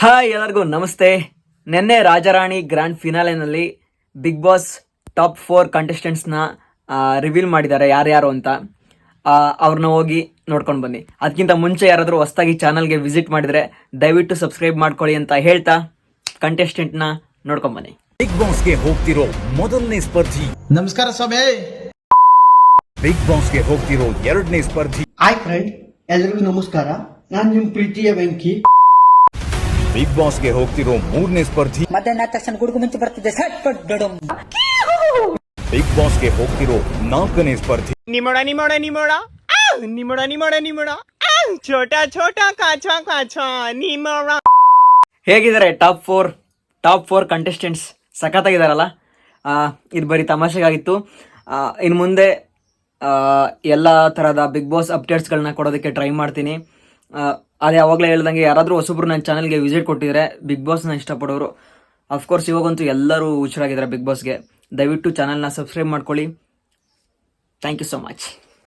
Hi ಎಲ್ಲರಿಗೂ ನಮಸ್ತೆ. ನಿನ್ನೆ ರಾಜಾರಾಣಿ ಗ್ರ್ಯಾಂಡ್ ಫಿನಾಲೆನಲ್ಲಿ ಬಿಗ್ ಬಾಸ್ ಟಾಪ್ 4 ಕಂಟೆಸ್ಟೆಂಟ್ಸ್ನ ರಿವೀಲ್ ಮಾಡಿದ್ದಾರೆ ಯಾರ್ಯಾರು ಅಂತ. ಅವ್ರನ್ನ ಹೋಗಿ ನೋಡ್ಕೊಂಡು ಬನ್ನಿ. ಅದಕ್ಕಿಂತ ಮುಂಚೆ ಯಾರಾದರೂ ಹೊಸದಾಗಿ ಚಾನಲ್ಗೆ ವಿಸಿಟ್ ಮಾಡಿದರೆ ದಯವಿಟ್ಟು ಸಬ್ಸ್ಕ್ರೈಬ್ ಮಾಡ್ಕೊಳ್ಳಿ ಅಂತ ಹೇಳ್ತಾ ಕಂಟೆಸ್ಟೆಂಟ್ನ ನೋಡ್ಕೊಂಡು ಬನ್ನಿ. ಬಿಗ್ ಬಾಸ್ಗೆ ಹೋಗ್ತಿರೋ ಮೊದಲನೇ ಸ್ಪರ್ಧಿ. ನಮಸ್ಕಾರ ಸ್ವಾಮಿ. ಬಿಗ್ ಬಾಸ್ಗೆ ಹೋಗ್ತಿರೋ ಎರಡನೇ ಸ್ಪರ್ಧಿ. ಹಾಯ್ ಫ್ರೆಂಡ್, ಎಲ್ರಿಗೂ ನಮಸ್ಕಾರ. ನಾನು ನಿಮ್ಮ ಪ್ರೀತಿಯ ವೆಂಕಿ. ಬಿಗ್ ಬಾಸ್ಗೆ ಹೋಗ್ತಿರೋ ಮೂರನೇ ಸ್ಪರ್ಧಿ. ಮಧ್ಯಾಹ್ನ ತಕ್ಷಣ ಗುಡುಗು ಮಿಂಚು ಬರ್ತಿದೆ. ಬಿಗ್ ಬಾಸ್ಗೆ ಹೋಗ್ತಿರೋ ನಾಲ್ಕನೇ ಸ್ಪರ್ಧಿ. ನಿಮೋಡ ನಿಮೋಡ ನಿಮೋಡ ನಿಮೋಡ ನಿಮೋಡ ನಿಮೋಡ ಛೋಟಾ ಛೋಟಾ ಕಾಚಾ ಕಾಚಾ ನಿಮೋಡ. ಹೇಗಿದ್ದಾರೆ ಟಾಪ್ ಫೋರ್ ಕಂಟೆಸ್ಟೆಂಟ್ಸ್? ಸಖತ್ತಾಗಿದ್ದಾರಲ್ಲ. ಇದು ಬರೀ ತಮಾಷೆಗಾಗಿತ್ತು. ಇನ್ನು ಮುಂದೆ ಎಲ್ಲ ಥರದ ಬಿಗ್ ಬಾಸ್ ಅಪ್ಡೇಟ್ಸ್ಗಳನ್ನ ಕೊಡೋದಕ್ಕೆ ಟ್ರೈ ಮಾಡ್ತೀನಿ. ಅದೇ ಯಾವಾಗಲೇ ಹೇಳ್ದಂಗೆ ಯಾರಾದರೂ ಹೊಸಬ್ರು ನನ್ನ ಚಾನಲ್ಗೆ ವಿಸಿಟ್ ಕೊಟ್ಟಿದ್ದಾರೆ ಬಿಗ್ ಬಾಸ್ನ ಇಷ್ಟಪಡೋರು. ಅಫ್ಕೋರ್ಸ್ ಇವಾಗಂತೂ ಎಲ್ಲರೂ ಹುಚ್ಚರಾಗಿದ್ದಾರೆ ಬಿಗ್ ಬಾಸ್ಗೆ. ದಯವಿಟ್ಟು ಚಾನಲ್ನ ಸಬ್ಸ್ಕ್ರೈಬ್ ಮಾಡ್ಕೊಳ್ಳಿ. Thank you so much.